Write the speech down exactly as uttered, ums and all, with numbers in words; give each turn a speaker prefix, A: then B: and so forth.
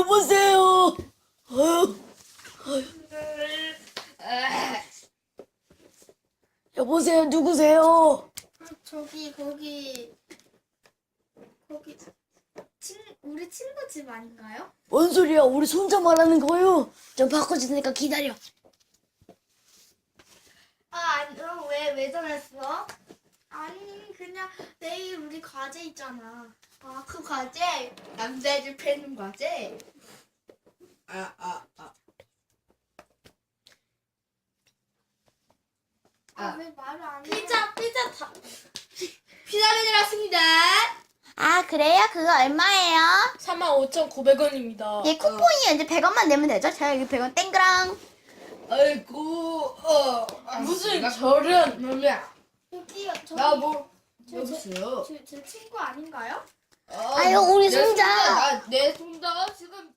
A: 여보세요. 어휴, 여보세요. 누구세요?
B: 저기 거기 거기 친 우리 친구 집 아닌가요?
A: 뭔 소리야? 우리 손자 말하는 거요. 좀 바꿔줄 테니까 기다려.
B: 아, 아니, 어, 왜, 왜 전했어? 아니, 그냥 내일 우리 과제 있잖아.
C: 아, 그 과제? 남자애들 패는 과제?
A: 아, 아, 아.
B: 아,
C: 아.
B: 왜 말을 안 해?
C: 피자, 피자 다. 피자맨이 왔습니다.
D: 아, 그래요? 그거 얼마예요?
A: 삼만 오천구백 원입니다.
D: 예, 쿠폰이 이제 백 원만 내면 되죠? 제가 여기 백 원 땡그랑.
A: 아이고, 어, 무슨 저런.
C: 뭐야?
B: 여기, 저기,
A: 나 뭐,
B: 저, 저,
C: 여보세요?
B: 저, 제 친구 아닌가요?
D: 아유, 우리
C: 내
D: 손자.
C: 나, 내 손자 지금